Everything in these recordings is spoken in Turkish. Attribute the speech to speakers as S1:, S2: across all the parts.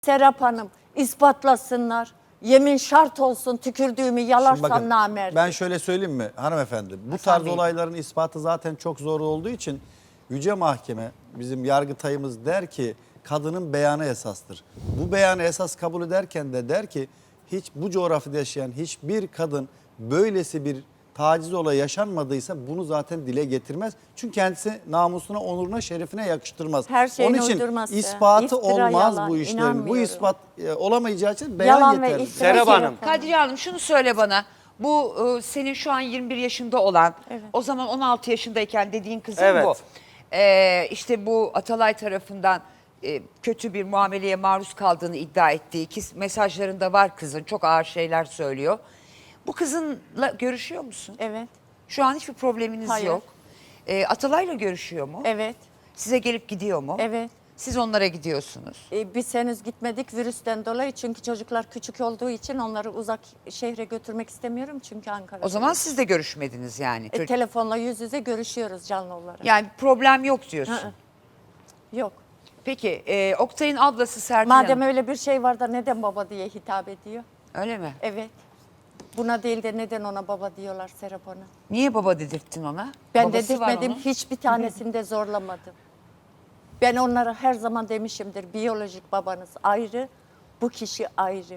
S1: Serap Hanım ispatlasınlar. Yemin şart olsun, tükürdüğümü
S2: Şimdi
S1: yalarsam
S2: bakın,
S1: namert.
S2: ben şöyle söyleyeyim mi hanımefendi? Bu
S1: Hasan
S2: tarz
S1: Bey.
S2: olayların ispatı zaten çok zor olduğu için Yüce Mahkeme, bizim Yargıtayımız der ki kadının beyanı esastır. Bu beyanı esas kabul ederken de der ki hiç bu coğrafyada yaşayan hiçbir kadın böylesi bir taciz olayı yaşanmadıysa bunu zaten dile getirmez. Çünkü kendisi namusuna, onuruna, şerefine yakıştırmaz.
S1: Her şeyin
S2: Onun için
S1: uydurması,
S2: ispatı
S1: iftira,
S2: olmaz
S1: yalan,
S2: bu işlerin. Bu
S1: inanmıyorum.
S2: ispat olamayacağı için beyan
S1: Yalan ve
S2: yeterli.
S1: iftira.
S3: Serap Hanım.
S4: Kadriye Hanım şunu söyle bana. Bu senin şu an 21 yaşında olan,
S1: Evet.
S4: o zaman 16 yaşındayken dediğin kızın
S3: Evet.
S4: bu. İşte bu Atalay tarafından kötü bir muameleye maruz kaldığını iddia ettiği ki mesajlarında var kızın. Çok ağır şeyler söylüyor. Bu kızınla görüşüyor musun?
S1: Evet,
S4: Şu an hiçbir probleminiz
S1: Hayır.
S4: yok. Atalay'la görüşüyor mu?
S1: evet,
S4: Size gelip gidiyor mu?
S1: evet.
S4: Siz onlara gidiyorsunuz.
S1: Biz henüz gitmedik virüsten dolayı, çünkü çocuklar küçük olduğu için onları uzak şehre götürmek istemiyorum, çünkü Ankara'da.
S4: O zaman siz de görüşmediniz yani.
S1: telefonla yüz yüze görüşüyoruz canlı olarak.
S4: Yani problem yok diyorsun.
S1: Hı. Yok.
S4: Peki Oktay'ın ablası Serpil Hanım.
S1: Madem öyle bir şey var da neden baba diye hitap ediyor?
S4: Öyle mi?
S1: Evet. Buna değil de neden ona baba diyorlar Serap Hanım?
S4: Niye baba dedirttin ona?
S1: Ben
S4: Babası var
S1: dedirtmedim,
S4: onun.
S1: hiçbir tanesini de zorlamadım. Ben onlara her zaman demişimdir, biyolojik babanız ayrı, bu kişi ayrı.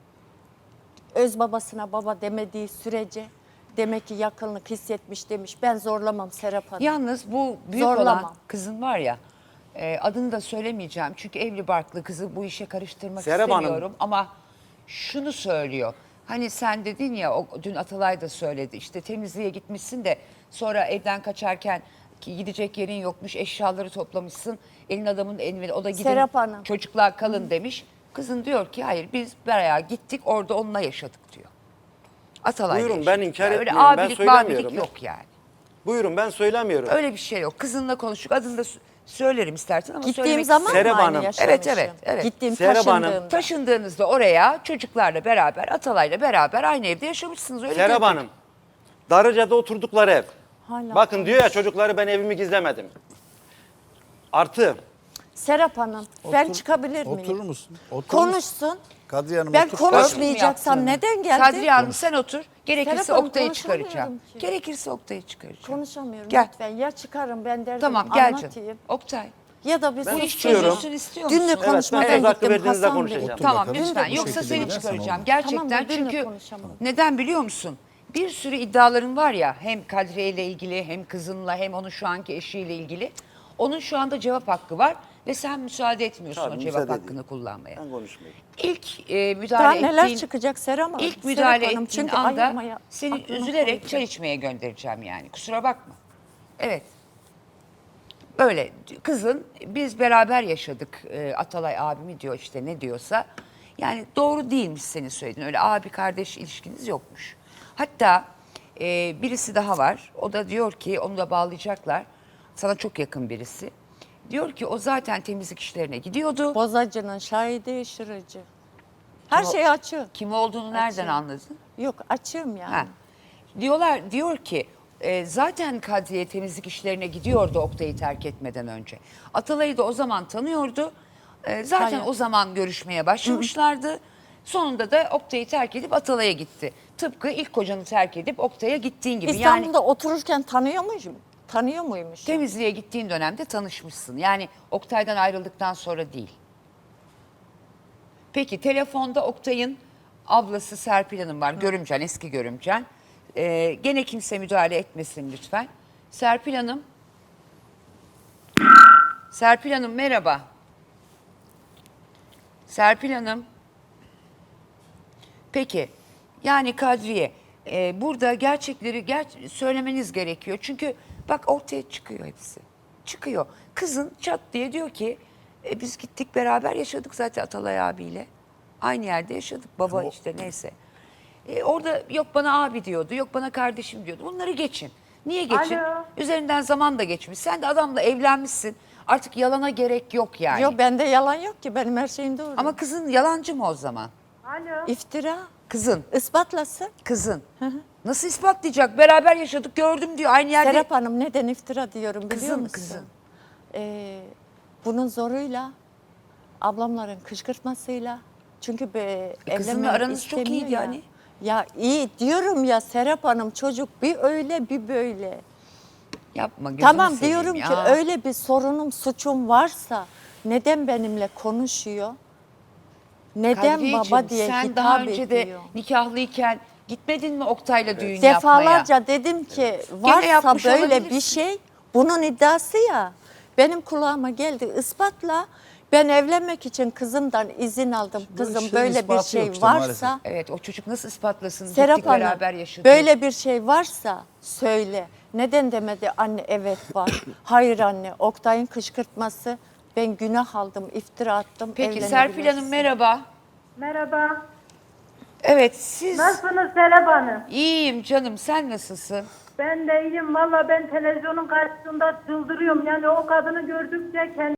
S1: Öz babasına baba demediği sürece demek ki yakınlık hissetmiş demiş. Ben zorlamam Serap Hanım.
S4: Yalnız bu büyük
S1: Zorlamam.
S4: olan kızın var ya, adını da söylemeyeceğim. Çünkü evli barklı kızı bu işe karıştırmak
S3: Serap Hanım.
S4: istemiyorum. Ama şunu söylüyor. Hani sen dedin ya, dün Atalay da söyledi. İşte temizliğe gitmişsin de sonra evden kaçarken ki gidecek yerin yokmuş, eşyaları toplamışsın. Elin adamın elini, o da gidin
S1: Serap Hanım.
S4: çocuklar kalın demiş. Kızın diyor ki hayır, biz bayağı gittik orada onunla yaşadık diyor. Atalay'la
S3: Buyurun,
S4: yaşadık.
S3: ben inkar
S4: Öyle
S3: etmiyorum, ben
S4: abilik,
S3: söylemiyorum.
S4: mabilik yok yani.
S3: Buyurun, ben söylemiyorum.
S4: Öyle bir şey yok. Kızınla konuştuk. Adını da söylerim istersen ama
S1: Gittiğim
S4: söylemek
S1: zaman
S3: Serap
S1: mı aynı
S3: Hanım.
S1: yaşamışım?
S4: Evet.
S1: Gittiğim
S3: Serap Hanım.
S1: taşındığımda.
S4: taşındığınızda oraya çocuklarla beraber, Atalay'la beraber aynı evde yaşamışsınız. Öyle
S3: Serap
S4: dedik.
S3: Hanım, Darıca'da oturdukları ev.
S1: Hala
S3: Bakın diyor ya, çocukları ben evimi gizlemedim. Artı,
S1: Serap Hanım, ben çıkabilir miyim?
S2: Oturur musun? Oturur musun?
S1: Konuşsun.
S2: Kadriye Hanım
S1: Ben
S2: otur.
S1: konuşmayacaksam neden geldi?
S4: Kadriye Hanım sen otur. Gerekirse
S1: Serap Hanım,
S4: Oktay'ı
S1: konuşamıyorum
S4: çıkaracağım.
S1: ki.
S4: Gerekirse Oktay'ı çıkaracağım.
S1: Konuşamıyorum
S4: Gel.
S1: lütfen. Ya çıkarım ben derdim
S4: Tamam gel
S1: anlatayım.
S4: canım. Oktay.
S1: Ya da bir
S3: Ben
S4: Bu iş
S3: istiyorum.
S4: çözülsün istiyor musun?
S1: Dün de
S3: ben
S1: konuşmadan
S3: söz hakkı
S1: gittim
S3: verdiğinizde
S1: Hasan Bey.
S3: konuşacağım.
S2: Otur
S4: Tamam
S2: bakalım.
S4: lütfen.
S1: Dün de
S4: Yoksa
S2: bu şekilde
S4: seni
S2: gidersen
S4: çıkaracağım.
S2: olmaz.
S4: Gerçekten
S1: Tamam, dün de
S4: çünkü
S1: konuşamam.
S4: neden biliyor musun? Bir sürü iddiaların var ya, hem Kadriye ile ilgili hem kızınla hem onun şu anki eşiyle ilgili. Onun şu anda cevap hakkı var ve sen müsaade etmiyorsun
S3: Tabii,
S4: o cevap
S3: müsaade
S4: hakkını
S3: edeyim.
S4: kullanmaya.
S3: ben konuşmayayım.
S4: İlk
S1: Daha
S4: müdahale
S1: neler
S4: ettiğin,
S1: çıkacak Serap Hanım?
S4: ilk müdahale
S1: Serap Hanım,
S4: ettiğin
S1: çünkü
S4: anda
S1: ayırmaya
S4: seni
S1: aklıma
S4: üzülerek
S1: koydu.
S4: çay içmeye göndereceğim yani. Kusura bakma. Evet. Böyle kızın biz beraber yaşadık, Atalay abimi diyor işte ne diyorsa. Yani doğru değilmiş senin söylediğin, öyle abi kardeş ilişkiniz yokmuş. Hatta birisi daha var, o da diyor ki onu da bağlayacaklar, sana çok yakın birisi. Diyor ki o zaten temizlik işlerine gidiyordu.
S1: Bozacının şahidi şırıcı. Her şey açık.
S4: Kim olduğunu nereden
S1: Açığım.
S4: anladın?
S1: Yok, açığım yani.
S4: Ha. Diyor ki zaten Kadriye temizlik işlerine gidiyordu Oktay'ı terk etmeden önce. Atalay'ı da o zaman tanıyordu. Zaten
S1: Hayır.
S4: o zaman görüşmeye başlamışlardı. Sonunda da Oktay'ı terk edip Atalay'a gitti. Tıpkı ilk kocanı terk edip Oktay'a gittiğin gibi. Yani
S1: İstanbul'da otururken tanıyor muymuşum? Tanıyor muymuş?
S4: temizliğe gittiğin dönemde tanışmışsın. Yani Oktay'dan ayrıldıktan sonra değil. Peki telefonda Oktay'ın ablası Serpil Hanım var. Görümcen, eski görümcen. Gene kimse müdahale etmesin lütfen. Serpil Hanım. Serpil Hanım merhaba. Serpil Hanım. Peki yani Kadriye burada gerçekleri söylemeniz gerekiyor. Çünkü bak ortaya çıkıyor hepsi. Çıkıyor. Kızın çat diye diyor ki biz gittik beraber yaşadık zaten Atalay abiyle. Aynı yerde yaşadık baba işte neyse. Orada yok bana abi diyordu, yok bana kardeşim diyordu. Bunları geçin. Niye geçin?
S5: Alo.
S4: Üzerinden zaman da geçmiş. Sen de adamla evlenmişsin. Artık yalana gerek yok yani.
S1: Yok, bende yalan yok ki, benim her şeyim doğru.
S4: Ama kızın yalancı mı o zaman?
S5: Alo.
S1: İftira.
S4: Kızın.
S1: Ispatlasın.
S4: Kızın. Nasıl ispatlayacak? Beraber yaşadık gördüm diyor aynı yerde.
S1: Serap Hanım, neden iftira diyorum biliyor
S4: Kızın,
S1: musun?
S4: kızın.
S1: Bunun zoruyla Ablamların kışkırtmasıyla. Çünkü
S4: kızınla
S1: evlenmemi
S4: aranız çok
S1: istemiyor
S4: iyiydi
S1: ya.
S4: yani.
S1: Ya iyi diyorum ya Serap Hanım, çocuk bir öyle bir böyle.
S4: Yapma gözünü
S1: Tamam
S4: seveyim
S1: diyorum
S4: ya.
S1: ki öyle bir sorunum, suçum varsa neden benimle konuşuyor? Neden
S4: Kadriyeciğim,
S1: baba diye
S4: sen daha
S1: hitap
S4: önce
S1: ediyor?
S4: de nikahlıyken gitmedin mi Oktay'la düğün yapmaya?
S1: Defalarca dedim ki varsa
S4: yapmış
S1: böyle bir
S4: olabilirsin.
S1: şey, bunun iddiası ya. Benim kulağıma geldi, ispatla. Ben evlenmek için kızımdan izin aldım. Kızım
S2: şeyin
S1: böyle bir
S2: ispatı
S1: şey
S2: yok işte
S1: varsa,
S2: maalesef.
S4: Evet, o çocuk nasıl ispatlasın?
S1: Serap
S4: Gittik
S1: Hanım,
S4: beraber yaşadık.
S1: böyle bir şey varsa söyle. Neden demedi anne evet var. Hayır anne, Oktay'ın kışkırtması. Ben günah aldım, iftira attım.
S4: Peki Serpil Hanım merhaba.
S5: Merhaba.
S4: Evet, siz...
S5: Nasılsınız Serap Hanım?
S4: İyiyim canım, sen nasılsın?
S5: Ben de iyiyim. Valla ben televizyonun karşısında çıldırıyorum. Yani o kadını gördükçe kendi...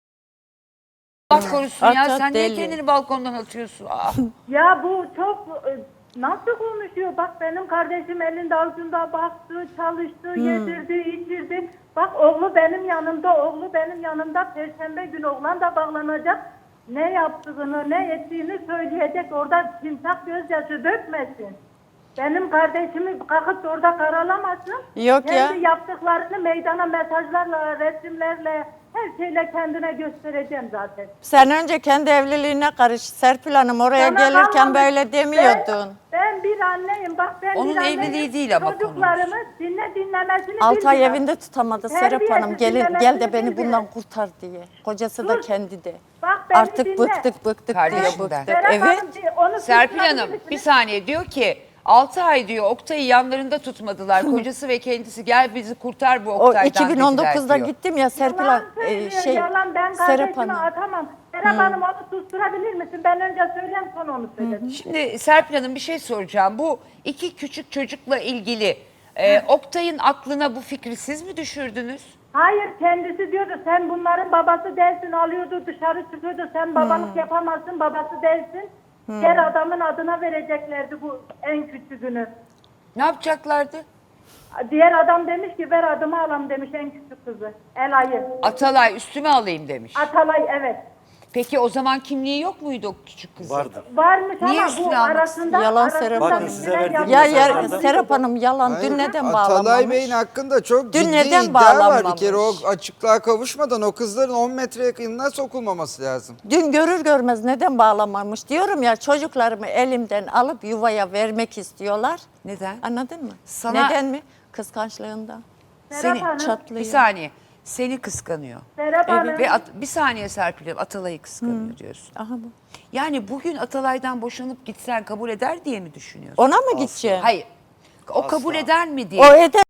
S4: Allah korusun ya,
S1: At,
S4: sen niye
S1: deli.
S4: kendini balkondan atıyorsun? Aa.
S5: Ya bu çok... Nasıl konuşuyor? Bak benim kardeşim elinde avucunda baktı, çalıştı, yedirdi, içirdi. Bak oğlu benim yanımda, oğlu benim yanımda. Perşembe günü oğlan da bağlanacak. Ne yaptığını, ne ettiğini söyleyecek. Orada timsak gözyaşı dökmesin. Benim kardeşimi kalkıp da orada karalamasın.
S1: Yok ya.
S5: Kendi yaptıklarını meydana mesajlarla, resimlerle, her şeyle kendine göstereceğim zaten.
S1: Sen önce kendi evliliğine karış Serpil Hanım. Oraya
S5: Sana
S1: gelirken
S5: kalmamış.
S1: böyle demiyordun.
S5: Ben bir anneyim. Bak ben
S4: Onun
S5: bir anneyim.
S4: evliliği değil ama
S5: Çocuklarımı dinlemesini
S1: 6 ay
S5: bilmiyor.
S1: evinde tutamadı
S5: Terbiyesiz
S1: Serap Hanım. Gel de
S5: dinlemesini
S1: beni
S5: bilmiyor.
S1: bundan kurtar diye. Kocası da
S5: Dur.
S1: kendi de.
S5: Bak beni
S1: Artık
S5: dinle.
S1: bıktık diyor,
S4: Kardeşinden.
S1: bıktık.
S5: Serap
S1: Evet.
S5: Hanım, onu
S4: Serpil
S5: susturabilir
S4: Hanım
S5: misiniz?
S4: bir saniye, diyor ki 6 ay diyor Oktay'ı yanlarında tutmadılar. Kocası ve kendisi gel bizi kurtar bu
S1: O
S4: Oktay'dan dediler
S1: 2019'da
S4: diyor.
S1: gittim ya Serpil
S5: Yalan
S1: Hanım.
S5: söylüyor, yalan. Ben
S1: Serap
S5: kardeşimi
S1: Hanım.
S5: atamam. Serap Hanım onu susturabilir misin? Ben önce söyleyeyim sonra onu söylerim.
S4: Şimdi Serpil Hanım bir şey soracağım. Bu iki küçük çocukla ilgili Oktay'ın aklına bu fikri siz mi düşürdünüz?
S5: Hayır kendisi diyordu sen bunların babası değilsin, alıyordu dışarı çıkıyordu, sen babalık yapamazsın, babası değilsin. Diğer adamın adına vereceklerdi bu en küçüğünü.
S4: Ne yapacaklardı?
S5: Diğer adam demiş ki ver adımı alam demiş en küçük kızı. Elay'ı.
S4: Atalay üstüme alayım demiş.
S5: Atalay evet.
S4: Peki o zaman kimliği yok muydu o küçük kızın?
S3: Vardı.
S5: Varmış
S4: Niye
S5: ama
S4: üstüne
S5: bu
S4: almak
S5: arasında...
S1: Yalan
S5: arasında
S1: Serap
S3: Bakın
S1: Hanım.
S3: size
S5: bilgiler
S3: verdiğim
S5: yapılmış.
S3: mesajlarda-
S1: Serap Hanım yalan.
S6: Hayır,
S1: Dün neden
S6: Atalay
S1: bağlanmamış?
S6: Bey'in hakkında çok
S1: Dün
S6: ciddi
S1: neden
S6: iddia var. Bir
S1: bağlanmamış?
S6: kere o açıklığa kavuşmadan o kızların 10 metre yakınına sokulmaması lazım.
S1: Dün görür görmez neden bağlamamış diyorum ya, çocuklarımı elimden alıp yuvaya vermek istiyorlar.
S4: Neden?
S1: Anladın mı?
S4: Sana-
S1: Neden mi? Kıskançlığından.
S5: Serap
S4: Seni
S5: Hanım.
S1: Çatlıyor.
S4: bir saniye. Seni kıskanıyor.
S5: Serap Hanım.
S4: Ve bir saniye Serpil Hanım, Atalay'ı kıskanıyor diyorsun.
S1: Aha bu.
S4: Yani bugün Atalay'dan boşanıp gitsen kabul eder diye mi düşünüyorsun?
S1: Ona mı gideceğim?
S4: Hayır. O kabul eder mi diye.
S1: O eder.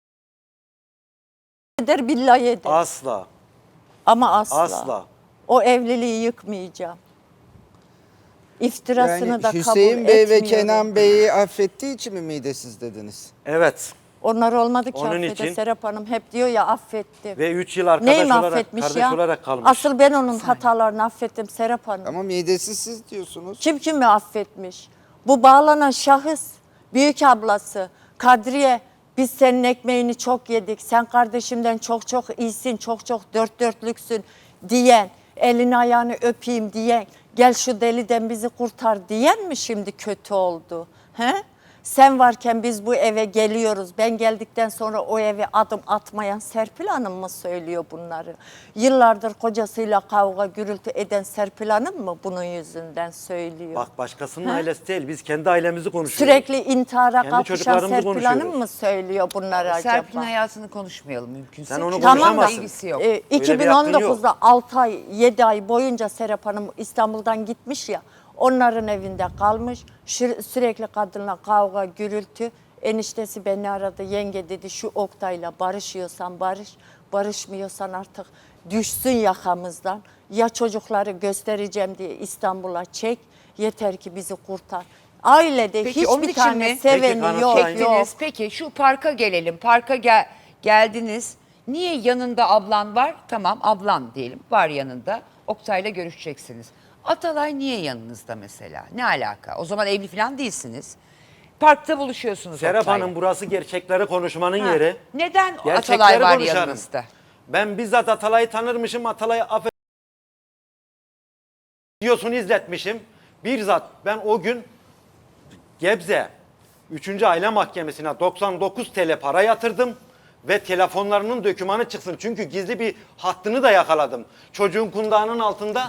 S1: Eder billahi eder.
S3: Asla.
S1: Ama asla.
S3: Asla.
S1: O evliliği yıkmayacağım. İftirasını
S6: Yani
S1: da kabul
S6: Hüseyin Bey ve
S1: etmiyorum.
S6: Kenan Bey'i affettiği için mi midesiz dediniz?
S3: Evet.
S1: Onlar olmadı ki
S3: Onun
S1: affede.
S3: için-
S1: Serap Hanım hep diyor ya affettim.
S3: Ve 3 yıl arkadaş
S1: Neyi mi
S3: olarak,
S1: affetmiş
S3: kardeş
S1: ya?
S3: olarak kalmış.
S1: Asıl ben onun hatalarını affettim Serap Hanım.
S6: Ama midesiz siz diyorsunuz.
S1: Kim kimi affetmiş? Bu bağlanan şahıs, büyük ablası, Kadriye, biz senin ekmeğini çok yedik, sen kardeşimden çok çok iyisin, çok çok dört dörtlüksün diyen, elini ayağını öpeyim diyen, gel şu deliden bizi kurtar diyen mi şimdi kötü oldu? He? Sen varken biz bu eve geliyoruz. Ben geldikten sonra o eve adım atmayan Serpil Hanım mı söylüyor bunları? Yıllardır kocasıyla kavga gürültü eden Serpil Hanım mı bunun yüzünden söylüyor?
S3: Bak başkasının ailesi değil. Biz kendi ailemizi konuşuyoruz.
S1: Sürekli intihara
S3: Kendi
S1: kalkışan
S3: çocuklarımızı
S1: Serpil Hanım
S3: konuşuyoruz.
S1: mı söylüyor bunları acaba?
S4: Serpil'in hayatını konuşmayalım mümkünse.
S3: Sen onu
S4: Çünkü
S1: Tamam da
S3: konuşamazsın.
S4: ilgisi yok.
S3: bir hakkın yok.
S1: 2019'da 6 ay 7 ay boyunca Serap Hanım İstanbul'dan gitmiş ya, onların evinde kalmış, sürekli kadınla kavga gürültü. Eniştesi beni aradı, yenge dedi şu Oktay'la barışıyorsan barış, barışmıyorsan artık düşsün yakamızdan. Ya çocukları göstereceğim diye İstanbul'a çek, yeter ki bizi kurtar. Ailede
S4: Peki, onun
S1: hiçbir
S4: için
S1: tane
S4: mi?
S1: seveni
S3: Peki,
S1: yok
S3: kanıtlayın.
S1: yok.
S4: Çektiniz. Peki şu parka gelelim. Parka geldiniz. Niye yanında ablan var? Tamam, ablan diyelim var yanında. Oktay'la görüşeceksiniz. Atalay niye yanınızda mesela? Ne alaka? O zaman evli falan değilsiniz. Parkta buluşuyorsunuz
S3: Serap
S4: Oktay'la.
S3: Hanım burası gerçekleri konuşmanın
S4: Ha,
S3: yeri.
S4: Neden
S3: Gerçekleri
S4: Atalay var
S3: konuşalım.
S4: yanınızda?
S3: Ben bizzat Atalay'ı tanırmışım. Atalay'ı videosunu izletmişim. Bizzat ben o gün Gebze 3. Aile Mahkemesi'ne 99 TL para yatırdım ve telefonlarının dökümanı çıksın. Çünkü gizli bir hattını da yakaladım. Çocuğun kundağının altında.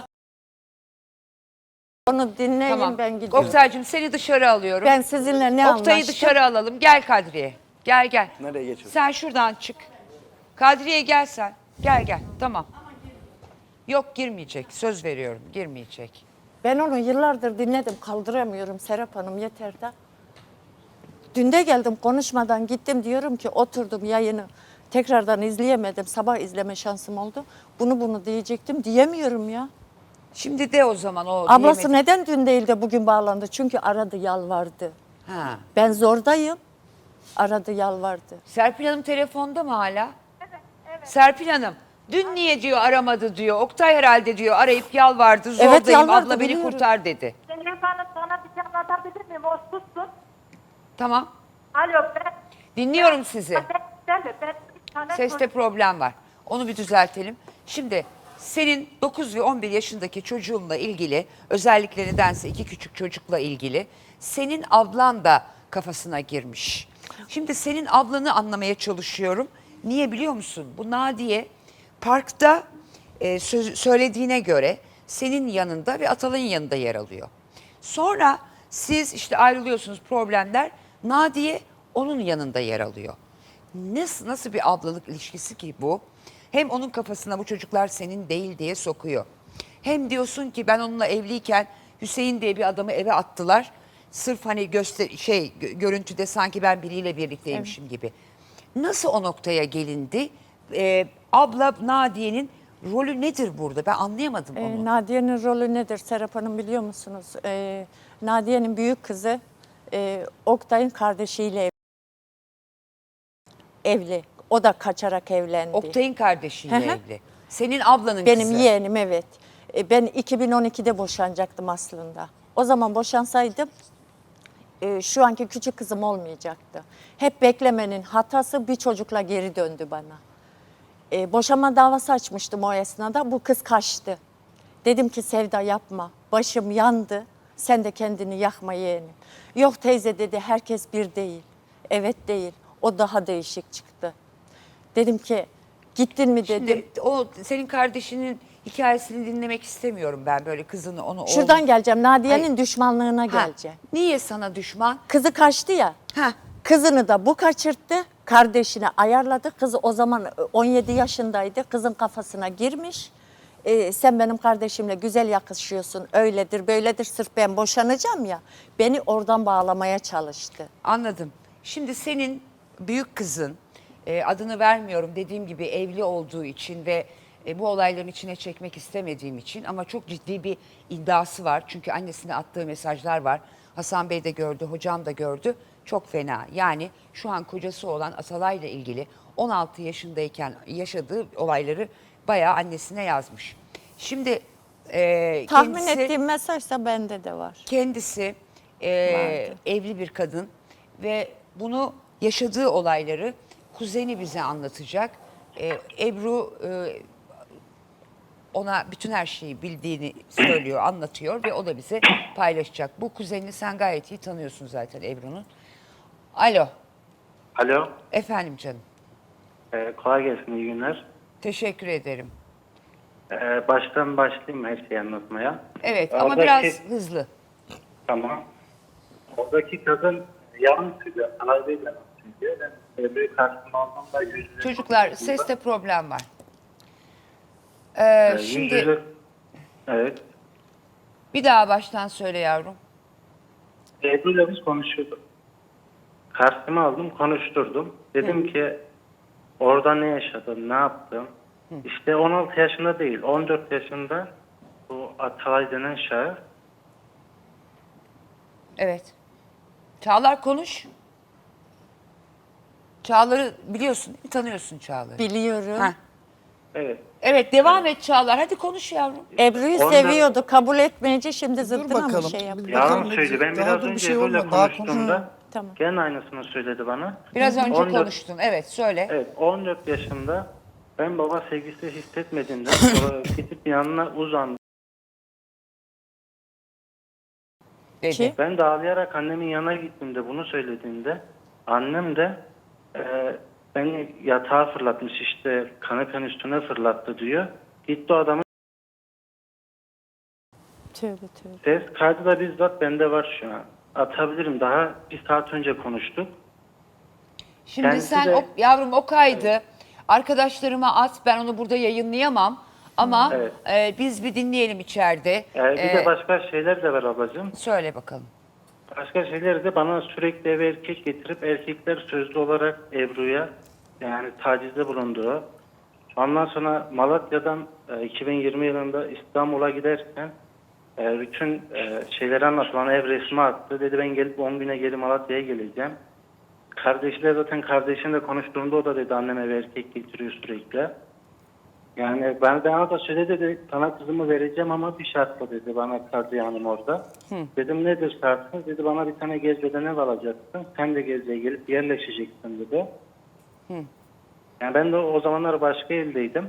S1: Onu dinleyin,
S4: Tamam.
S1: ben gidiyorum.
S4: Oktay'cığım seni dışarı alıyorum.
S1: Ben sizinle ne
S4: Oktay'ı
S1: anlaştım?
S4: dışarı alalım. Gel Kadriye. Gel.
S3: Nereye geçiyorsun?
S4: Sen şuradan çık. Kadriye gel sen. Gel. Tamam. Yok girmeyecek. Söz veriyorum girmeyecek.
S1: Ben onu yıllardır dinledim. Kaldıramıyorum Serap Hanım, yeter de. Dün de geldim, konuşmadan gittim, diyorum ki oturdum yayını. Tekrardan izleyemedim. Sabah izleme şansım oldu. Bunu diyecektim. Diyemiyorum ya.
S4: Şimdi de o zaman o
S1: Ablası
S4: diyemedi.
S1: neden dün değil de bugün bağlandı? Çünkü aradı, yalvardı.
S4: Ha.
S1: Ben zordayım. Aradı, yalvardı.
S4: Serpil Hanım telefonda mı hala? Evet. Serpil Hanım dün niye diyor aramadı diyor. Oktay herhalde diyor arayıp yalvardı. Zordayım
S1: Evet, yalvardı,
S4: abla beni
S1: biliyorum.
S4: kurtar dedi.
S5: Zeynep Hanım sana bir şey anlatabilir miyim? O sussun.
S4: Tamam.
S5: Alo ben...
S4: Dinliyorum sizi.
S5: Ben bir tane
S4: Seste problem var. Onu bir düzeltelim. Şimdi senin 9 ve 11 yaşındaki çocuğunla ilgili, özellikle nedense 2 küçük çocukla ilgili senin ablan da kafasına girmiş. Şimdi senin ablanı anlamaya çalışıyorum. Niye biliyor musun? Bu Nadiye parkta söylediğine göre senin yanında ve Atalay'ın yanında yer alıyor. Sonra siz işte ayrılıyorsunuz, problemler. Nadiye onun yanında yer alıyor. Nasıl bir ablalık ilişkisi ki bu? Hem onun kafasına bu çocuklar senin değil diye sokuyor. Hem diyorsun ki ben onunla evliyken Hüseyin diye bir adamı eve attılar. Sırf hani görüntüde sanki ben biriyle birlikteymişim gibi. Nasıl o noktaya gelindi? Abla Nadiye'nin rolü nedir burada? Ben anlayamadım onu.
S1: Nadiye'nin rolü nedir Serap Hanım, biliyor musunuz? Nadiye'nin büyük kızı Oktay'ın kardeşiyle evli. O da kaçarak evlendi.
S4: Oktay'ın kardeşiyle
S1: Hı hı.
S4: evli. Senin ablanın
S1: Benim
S4: kızı.
S1: yeğenim, evet. Ben 2012'de boşanacaktım aslında. O zaman boşansaydım şu anki küçük kızım olmayacaktı. Hep beklemenin hatası, bir çocukla geri döndü bana. Boşanma davası açmıştım o esnada. Bu kız kaçtı. Dedim ki Sevda yapma. Başım yandı. Sen de kendini yakma yeğenim. Yok teyze dedi, herkes bir değil. Evet değil. O daha değişik çıktı. Dedim ki gittin mi dedim.
S4: Şimdi o senin kardeşinin hikayesini dinlemek istemiyorum ben, böyle kızını onu
S1: Şuradan geleceğim. Nadiye'nin
S4: Ay.
S1: düşmanlığına
S4: Ha,
S1: geleceğim.
S4: niye sana düşman?
S1: Kızı kaçtı ya.
S4: Ha.
S1: Kızını da bu kaçırttı. Kardeşine ayarladı. Kızı o zaman 17 yaşındaydı. Kızın kafasına girmiş. Sen benim kardeşimle güzel yakışıyorsun. Öyledir, böyledir. Sırf ben boşanacağım ya. Beni oradan bağlamaya çalıştı.
S4: Anladım. Şimdi senin büyük kızın, adını vermiyorum dediğim gibi, evli olduğu için ve bu olayların içine çekmek istemediğim için, ama çok ciddi bir iddiası var. Çünkü annesine attığı mesajlar var. Hasan Bey de gördü, hocam da gördü. Çok fena. Yani şu an kocası olan Atalay'la ilgili 16 yaşındayken yaşadığı olayları bayağı annesine yazmış. Şimdi
S1: Tahmin
S4: kendisi...
S1: ettiğim mesajsa bende de var.
S4: Kendisi
S1: Vardı.
S4: evli bir kadın ve bunu, yaşadığı olayları kuzeni bize anlatacak. Ebru ona bütün her şeyi bildiğini söylüyor, anlatıyor ve o da bize paylaşacak. Bu kuzenini sen gayet iyi tanıyorsun zaten, Ebru'nun. Alo,
S7: Alo,
S4: efendim canım.
S7: kolay gelsin, iyi günler.
S4: Teşekkür ederim.
S7: Baştan başlayayım her şeyi anlatmaya.
S4: Evet ama
S7: Oradaki-
S4: biraz hızlı.
S7: Tamam. Oradaki kadın yalan söylüyor, alaydıyla söylüyor. Ben Ebru'yu karşıma aldığımda yüzüne...
S4: Çocuklar, seste problem var. Şimdi
S7: Evet.
S4: bir daha baştan söyle yavrum.
S7: Ebru'yla biz konuşuyorduk. Karşıma aldım, konuşturdum. Dedim ki orada ne yaşadın, ne yaptın? İşte 16 yaşında değil, 14 yaşında bu Atalay denen şahıs
S4: Evet. Çağlar konuş. Çağlar'ı biliyorsun, değil mi? Tanıyorsun Çağlar'ı.
S1: Biliyorum.
S4: Heh.
S7: evet.
S4: Evet, devam et Çağlar. Hadi konuş yavrum.
S1: Ebru'yu
S7: Ondan-
S1: seviyordu. Kabul etmeyince şimdi
S2: Dur
S1: zıttına mı
S2: bakalım.
S1: şey yapıyor?
S2: Bir
S7: Yalan
S2: bakalım ne
S7: söyledi.
S2: diyecek.
S7: Ben
S2: Daha
S7: biraz
S2: dur bir
S7: önce
S2: şey
S7: Ebru'yla
S2: olmadı. Daha
S7: konuştuğumda
S1: Tamam.
S7: gene aynısını söyledi bana.
S4: Biraz önce
S7: 14
S4: konuştun. Evet, söyle.
S7: Evet, 14 yaşında ben baba sevgisi hissetmediğimden sonra gidip yanına uzandım.
S4: dedi.
S1: Ki?
S7: Ben de ağlayarak annemin yanına gittiğimde bunu söylediğimde annem de beni yatağa fırlatmış, işte kanepenin üstüne fırlattı diyor. Gitti o adamın
S1: Tövbe tövbe.
S7: ses kaydı da bizzat bende var şu an. Atabilirim, daha bir saat önce konuştuk.
S4: Şimdi
S7: Kendisi
S4: sen
S7: de-
S4: yavrum o kaydı arkadaşlarıma at, ben onu burada yayınlayamam ama
S7: Evet.
S4: biz bir dinleyelim içeride.
S7: Bir de başka şeyler de var ablacığım.
S4: Söyle bakalım.
S7: Başka şeyleri de bana sürekli eve erkek getirip erkekler sözlü olarak Ebru'ya yani tacizde bulunduğu. Ondan sonra Malatya'dan 2020 yılında İstanbul'a giderken bütün şeyleri anlattı. Bana ev resmi attı. Dedi ben gelip 10 güne geri Malatya'ya geleceğim. Kardeşiyle zaten kardeşimle konuştuğumda o da dedi annem eve erkek getiriyor sürekli. Yani ben ona da söyle dedi sana kızımı vereceğim ama bir şartla dedi bana Kadriye Hanım orada. Dedim nedir şartın? Dedi bana bir tane Gezze'den ev alacaksın. Sen de Gezze'ye gelip yerleşeceksin dedi. Yani ben de o zamanlar başka evdeydim.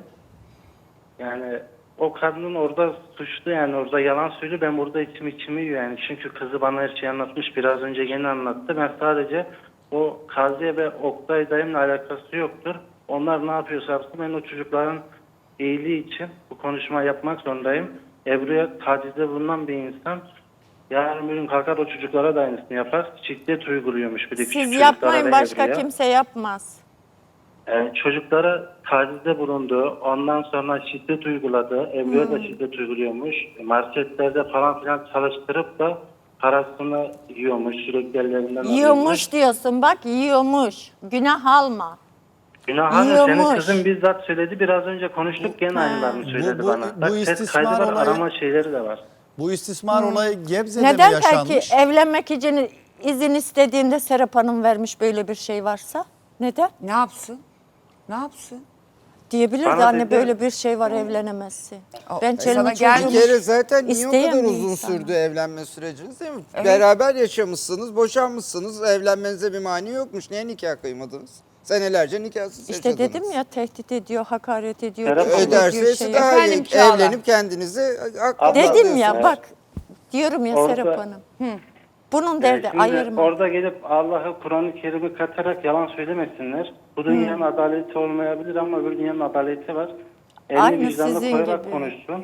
S7: Yani o kadının orada suçlu, yani orada yalan söylüyor. Ben burada içimi yiyor yani. Çünkü kızı bana her şeyi anlatmış. Biraz önce gene anlattı. Ben sadece o Kaziye ve Oktay dayımla alakası yoktur. Onlar ne yapıyorsa yapsın. Ben o çocukların iyiliği için bu konuşma yapmak zorundayım. Ebru'ya tacizde bulunan bir insan yarın bir gün kalkar o çocuklara da aynısını yapar. Şiddet uyguluyormuş bir de küçük
S1: Siz
S7: çocuklara
S1: yapmayın,
S7: ve
S1: başka
S7: Ebru'ya.
S1: kimse yapmaz.
S7: Çocuklara tacizde bulundu. Ondan sonra şiddet uyguladı. Ebru'ya da şiddet uyguluyormuş. Marketlerde falan filan çalıştırıp da parasını yiyormuş. Sürekli ellerinden
S1: Yiyormuş diyorsun, bak yiyormuş. Günah alma.
S7: Günah hanım, senin
S1: yiyormuş.
S7: kızın bizzat söyledi. Biraz önce konuştuk, gene aynılarını söyledi
S2: Bu-
S7: bana.
S2: bu
S7: Bak ses
S2: istismar
S7: kaydı var,
S2: olayı-
S7: arama şeyleri de var.
S2: Bu istismar olayı Gebze'de
S1: Neden
S2: mi yaşanmış?
S1: peki evlenmek için izin istediğinde Serap Hanım vermiş böyle bir şey varsa? Neden?
S4: Ne yapsın? Ne yapsın?
S1: Diyebilirdi
S7: Bana
S1: anne
S7: dedi-
S1: böyle bir şey var evlenemezsin. Ben
S4: sana
S1: çelimi
S4: gel-
S6: Bir
S1: çocuğumu
S6: kere zaten niye o
S1: isteyen
S6: kadar
S1: bir
S6: uzun
S1: insanım.
S6: sürdü evlenme süreciniz değil mi? Beraber yaşamışsınız, boşanmışsınız, evlenmenize bir mani yokmuş. Niye nikah kıymadınız? Senelerce nikahsız
S1: İşte
S6: yaşadınız.
S1: dedim ya, tehdit ediyor, hakaret ediyor.
S7: Serap
S1: küfür
S7: Hanım-
S1: ediyor,
S6: Öderse
S1: şey
S6: daha
S4: Efendim
S6: iyi.
S4: Çağla.
S6: Evlenip kendinizi haklı
S7: Abla-
S1: Dedim
S6: buluyorsunuz.
S1: ya bak, diyorum ya
S7: Orada-
S1: Serap Hanım. Bunun derdi
S7: Şimdi
S1: ayırma.
S7: orada gelip Allah'ı Kur'an-ı Kerim'i katarak yalan söylemesinler. Bu dünyanın adaleti olmayabilir ama öbür dünyanın adaleti var. Elini
S1: Aynı
S7: vicdanına
S1: sizin
S7: koyarak
S1: gibi.
S7: konuşsun.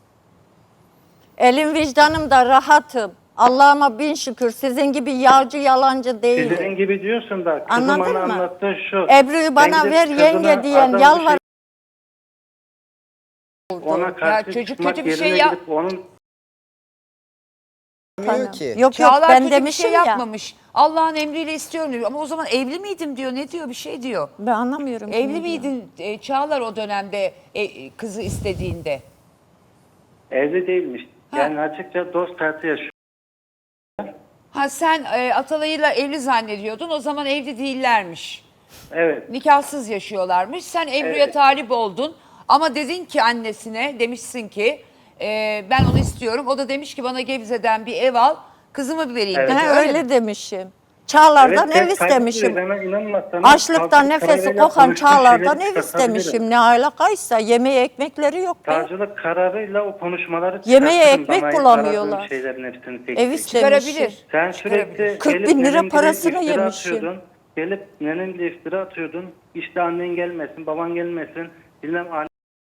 S1: Elim vicdanım da rahatım. Allah'ıma bin şükür, sizin gibi yağcı yalancı değilim.
S7: Sizin gibi diyorsun da kızım
S1: Anladın
S7: bana
S1: mı?
S7: anlattığı şu.
S1: Ebru'yu bana
S7: Sen
S1: ver
S7: gidip
S1: yenge
S7: kızına
S1: diyen
S7: adam bir
S1: yalvar.
S7: ona karşı
S4: çocuk
S7: çıkmak
S4: kötü bir
S7: yerine
S4: şey yap-
S7: gidip onun
S6: Bilmiyor ki.
S1: Yok yok
S4: Çağlar
S1: ben
S4: kötü bir
S1: demişim
S4: şey
S1: ya.
S4: yapmamış. Allah'ın emriyle istiyorum diyor. Ama o zaman evli miydim diyor. Ne diyor? Bir şey diyor.
S1: Ben anlamıyorum.
S4: Evli
S1: ne diyor.
S4: miydin Çağlar o dönemde kızı istediğinde?
S7: evli değilmiş.
S4: Ha.
S7: Yani açıkça dost hayatı yaşıyor.
S4: Ha sen Atalay'la evli zannediyordun. O zaman evli değillermiş.
S7: Evet.
S4: Nikahsız yaşıyorlarmış. Sen Ebru'ya
S7: Evet.
S4: talip oldun. Ama dedin ki annesine, demişsin ki ben onu istiyorum. O da demiş ki bana Gebze'den bir ev al. Kızımı vereyim
S7: Evet.
S4: dedi.
S1: Ha,
S4: Öyle mi?
S1: öyle demişim. Çağlar'dan
S7: Evet,
S1: ev
S7: ses kaydı
S1: istemişim.
S7: diyor. Bana inanmazsanız
S1: Açlıktan
S7: savcılık
S1: nefesi
S7: kararıyla
S1: kokan
S7: konuştuğum
S1: Çağlar'dan
S7: şeyleri
S1: ev
S7: çıkartabilirim.
S1: istemişim. Ne alakaysa yemeğe ekmekleri yok be.
S7: Savcılık kararıyla o konuşmaları
S1: Yemeğe
S7: çıkartırım.
S1: ekmek
S7: Bana
S1: bulamıyorlar.
S7: aradığım şeylerin hepsini tek
S1: Ev
S7: tek.
S1: istemişim.
S4: Çıkarabilir.
S7: Sen
S4: Çıkarabilir.
S7: sürekli
S1: 40
S7: gelip
S1: bin lira
S7: nenenle
S1: parasını
S7: iftira
S1: yemişim.
S7: atıyordun. Gelip nenenle iftira atıyordun. İşte annen gelmesin, baban gelmesin. Bilmem anne.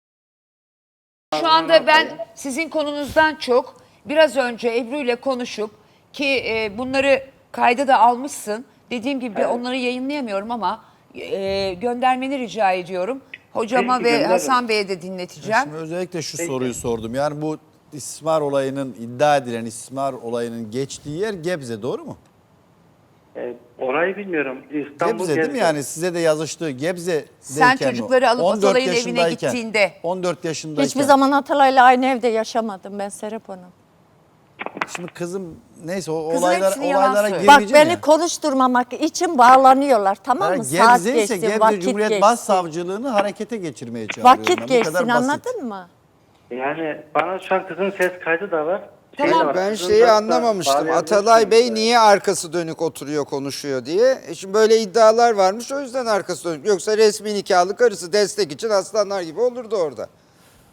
S4: Şu anda ben sizin konunuzdan çok biraz önce Ebru ile konuşup ki bunları kayda da almışsın. Dediğim gibi onları yayınlayamıyorum ama göndermeni rica ediyorum. Hocama
S7: Peki,
S4: ve
S7: gönderirim.
S4: Hasan Bey'e de dinleteceğim.
S2: Şimdi özellikle şu soruyu sordum. Yani bu istismar olayının, iddia edilen istismar olayının geçtiği yer Gebze, doğru mu?
S7: Orayı bilmiyorum. İstanbul
S2: Gebze değil mi? Yani size de yazıştığı Gebze'deyken
S4: Sen
S2: mi?
S4: çocukları alıp
S2: 14
S4: Atalay'ın evine
S2: yaşındayken,
S4: gittiğinde.
S2: 14 yaşındayken.
S1: Hiçbir zaman Atalay'la aynı evde yaşamadım ben Serap Hanım.
S2: Şimdi kızım neyse o
S4: Kızın
S2: olaylara
S4: hepsini yalan söylüyor.
S1: Bak
S2: girmeyeceğim
S1: beni
S2: ya.
S1: konuşturmamak için bağlanıyorlar, tamam mı? Saat
S2: Gebze ise
S1: geçsin,
S2: Gebze
S1: vakit
S2: Cumhuriyet
S1: geçsin.
S2: Başsavcılığını harekete geçirmeye çağırıyorum. ben.
S1: Vakit
S2: Bu
S1: geçsin,
S2: kadar basit.
S1: anladın mı?
S7: Yani bana şu an kızın ses kaydı da var.
S4: Tamam,
S7: Şey de var,
S6: Ben
S7: kızın
S6: şeyi
S7: da
S6: anlamamıştım.
S7: bağlayabilirsiniz.
S6: Atalay Bey niye arkası dönük oturuyor, konuşuyor diye. Şimdi böyle iddialar varmış, o yüzden arkası dönük. Yoksa resmi nikahlı karısı destek için aslanlar gibi olurdu orada.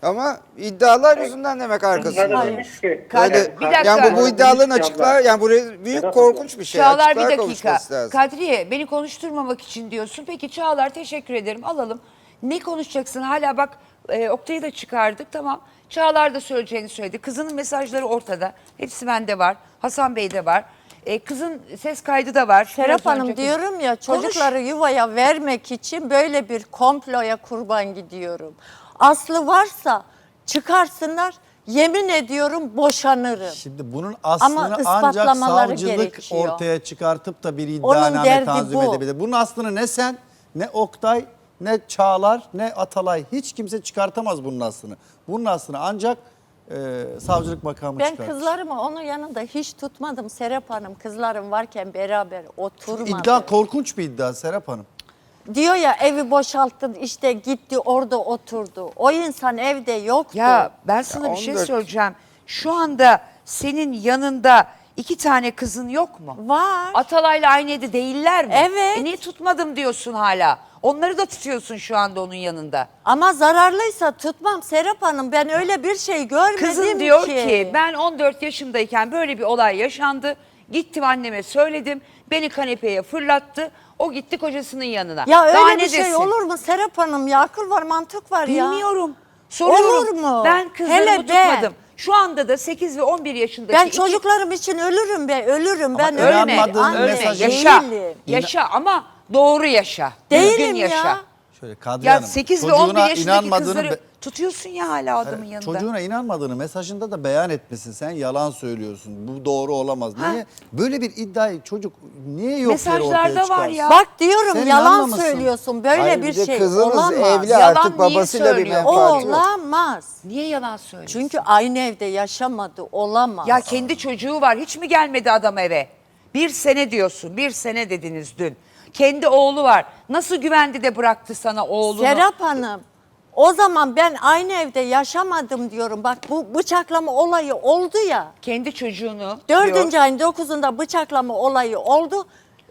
S6: Ama iddialar yüzünden demek arkasında.
S7: Demiş ki,
S6: Öyle,
S4: Bir dakika.
S6: yani bu iddiaların
S7: Demiş ki
S6: açıklar, yani buraya büyük korkunç bir şey.
S4: Çağlar bir
S6: Açıklığa
S4: dakika.
S6: kavuşması lazım.
S4: Kadriye beni konuşturmamak için diyorsun. Peki Çağlar teşekkür ederim alalım. Ne konuşacaksın? Hala bak Oktay'ı da çıkardık tamam. Çağlar da söyleyeceğini söyledi. Kızının mesajları ortada. Hepsi bende var. Hasan Bey'de var. Kızın ses kaydı da var.
S1: Serap
S4: Biraz
S1: Hanım
S4: önce-
S1: diyorum ya,
S4: Konuş.
S1: çocukları yuvaya vermek için böyle bir komploya kurban gidiyorum. Aslı varsa çıkarsınlar, yemin ediyorum boşanırım.
S2: Şimdi bunun aslını ancak
S1: ispatlamaları
S2: savcılık
S1: gerekiyor.
S2: ortaya çıkartıp da bir
S1: Onun
S2: iddianame
S1: derdi
S2: tanzim
S1: bu.
S2: edebilir. Bunun aslını ne sen, ne Oktay, ne Çağlar, ne Atalay hiç kimse çıkartamaz bunun aslını. Bunun aslını ancak savcılık makamı
S1: Ben
S2: çıkartır.
S1: kızlarımı onun yanında hiç tutmadım Serap Hanım. Kızlarım varken beraber oturmadı.
S2: İddia korkunç bir iddia Serap Hanım.
S1: Diyor ya, evi boşalttın işte, gitti orada oturdu. O insan evde yoktu.
S4: Ya ben sana bir şey
S6: 14.
S4: söyleyeceğim. Şu anda senin yanında 2 tane kızın yok mu?
S1: Var.
S4: Atalay'la aynı evde değiller mi?
S1: Evet.
S4: Niye tutmadım diyorsun hala? Onları da tutuyorsun şu anda onun yanında.
S1: Ama zararlıysa tutmam Serap Hanım. Ben öyle bir şey görmedim
S4: Kızın diyor ki ben 14 yaşındayken böyle bir olay yaşandı. Gittim anneme söyledim. Beni kanepeye fırlattı. O gitti kocasının yanına.
S1: Ya öyle
S4: Daha
S1: bir
S4: ne
S1: şey
S4: desin?
S1: olur mu Serap Hanım? Ya akıl var, mantık var ya.
S4: Bilmiyorum. Soruyorum.
S1: Olur mu?
S4: Ben kızlarımı
S1: Hele ben.
S4: tutmadım. Şu anda da 8 ve 11 yaşındaki
S1: Ben
S4: iki-
S1: çocuklarım için ölürüm be, ölürüm. Ben
S2: ölme,
S1: ölmedim.
S2: inanmadığın
S1: Anne
S2: mesajı-
S4: Yaşa.
S1: değilim.
S4: Yaşa ama doğru yaşa.
S1: Değilim
S4: Düzgün yaşa.
S1: ya.
S2: Şöyle Kadriye
S4: Ya
S2: Hanım,
S4: 8 ve
S2: çocuğuna
S4: 11 yaşındaki
S2: inanmadığını
S4: kızları tutuyorsun ya hala adamın yanında.
S2: çocuğuna inanmadığını mesajında da beyan etmesin. Sen yalan söylüyorsun. Bu doğru olamaz. Niye? Böyle bir iddiayı çocuk niye yok yere ortaya
S4: Mesajlarda var
S2: çıkarsın?
S4: ya.
S1: Bak diyorum,
S2: Sen
S1: yalan
S2: inanmamışsın.
S1: söylüyorsun. Böyle
S6: Hayır,
S1: bir
S6: de
S1: şey
S6: kızınız
S1: olamaz.
S6: evli
S4: Yalan
S6: artık
S4: niye
S6: babasıyla bir
S4: söylüyor?
S6: menfaati yok.
S1: Olamaz.
S4: Niye yalan söylüyorsun?
S1: Çünkü aynı evde yaşamadı. Olamaz.
S4: Ya kendi çocuğu var. Hiç mi gelmedi adam eve? 1 sene diyorsun. 1 sene dediniz dün. Kendi oğlu var. Nasıl güvendi de bıraktı sana oğlunu?
S1: Serap Hanım, o zaman ben aynı evde yaşamadım diyorum. Bak bu bıçaklama olayı oldu ya.
S4: Kendi çocuğunu
S1: 4.
S4: diyor.
S1: ayın 9'unda bıçaklama olayı oldu.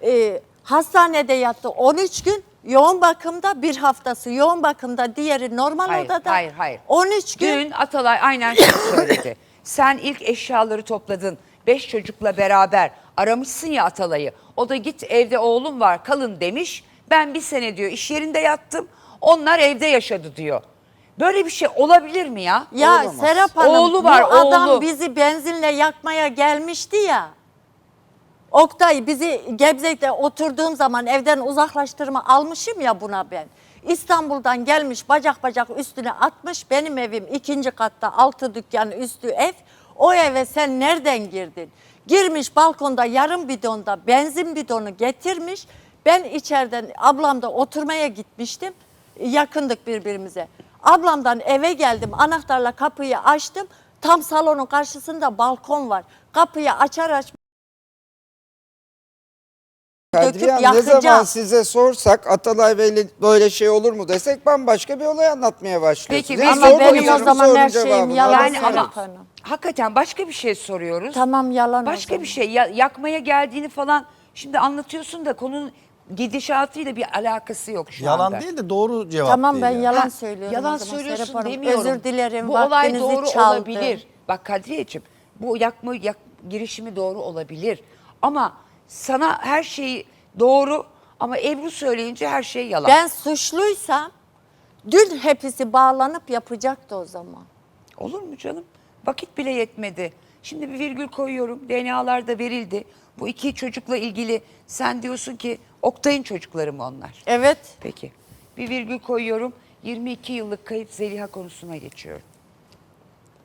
S1: Hastanede yattı 13 gün. Yoğun bakımda, bir haftası yoğun bakımda, diğeri normal
S4: Hayır,
S1: odada.
S4: hayır.
S1: 13 gün.
S4: Dün Atalay aynen şunu söyledi. Sen ilk eşyaları topladın. 5 çocukla beraber aramışsın ya Atalay'ı. O da git evde oğlum var kalın demiş. Ben 1 sene diyor iş yerinde yattım. Onlar evde yaşadı diyor. Böyle bir şey olabilir mi ya?
S1: Ya
S6: Olamaz.
S1: Serap Hanım,
S4: Oğlu var,
S1: bu adam
S4: oğlu.
S1: bizi benzinle yakmaya gelmişti ya. Oktay bizi Gebze'de oturduğum zaman evden uzaklaştırma almışım ya buna ben. İstanbul'dan gelmiş, bacak bacak üstüne atmış. Benim evim 2. katta, 6 dükkan üstü ev. O eve sen nereden girdin? Girmiş balkonda yarım bidonda benzin bidonu getirmiş. Ben içeriden ablamda oturmaya gitmiştim. Yakındık birbirimize. Ablamdan eve geldim, anahtarla kapıyı açtım. Tam salonun karşısında balkon var. Kapıyı açar açmaz
S6: Kadriye Hanım, ne
S1: yakacağım.
S6: zaman size sorsak Atalay Bey'le böyle şey olur mu desek bambaşka bir olay anlatmaya başlıyorsunuz.
S4: Peki,
S6: Yani
S4: ama
S6: sorduğunuz
S1: benim o
S6: sorunun
S1: zaman her şeyim
S6: cevabını
S1: yalan
S6: alamıyoruz.
S4: Yani ama
S1: Serap Hanım.
S4: hakikaten başka bir şey soruyoruz.
S1: Tamam, yalan o
S4: Başka bir
S1: zaman.
S4: şey yakmaya geldiğini falan şimdi anlatıyorsun da konunun gidişatıyla bir alakası yok şu
S2: Yalan
S4: anda.
S2: değil de doğru cevap
S1: Tamam,
S2: değil
S1: ben
S2: yani.
S1: yalan
S4: Ha,
S1: söylüyorum
S4: yalan
S1: o zaman
S4: söylüyorsun
S1: Serap Hanım.
S4: demiyorum.
S1: Özür dilerim,
S4: Bu olay
S1: vaktinizi
S4: doğru
S1: çaldım.
S4: olabilir. Bak Kadriyeciğim bu girişimi doğru olabilir. Ama sana her şeyi doğru ama Ebru söyleyince her şey yalan.
S1: Ben suçluysam dün hepsi bağlanıp yapacaktı o zaman.
S4: Olur mu canım? Vakit bile yetmedi. Şimdi bir virgül koyuyorum. DNA'lar da verildi. Bu 2 çocukla ilgili sen diyorsun ki Oktay'ın çocukları mı onlar?
S1: Evet.
S4: Peki. Bir virgül koyuyorum. 22 yıllık kayıp Zeliha konusuna geçiyorum.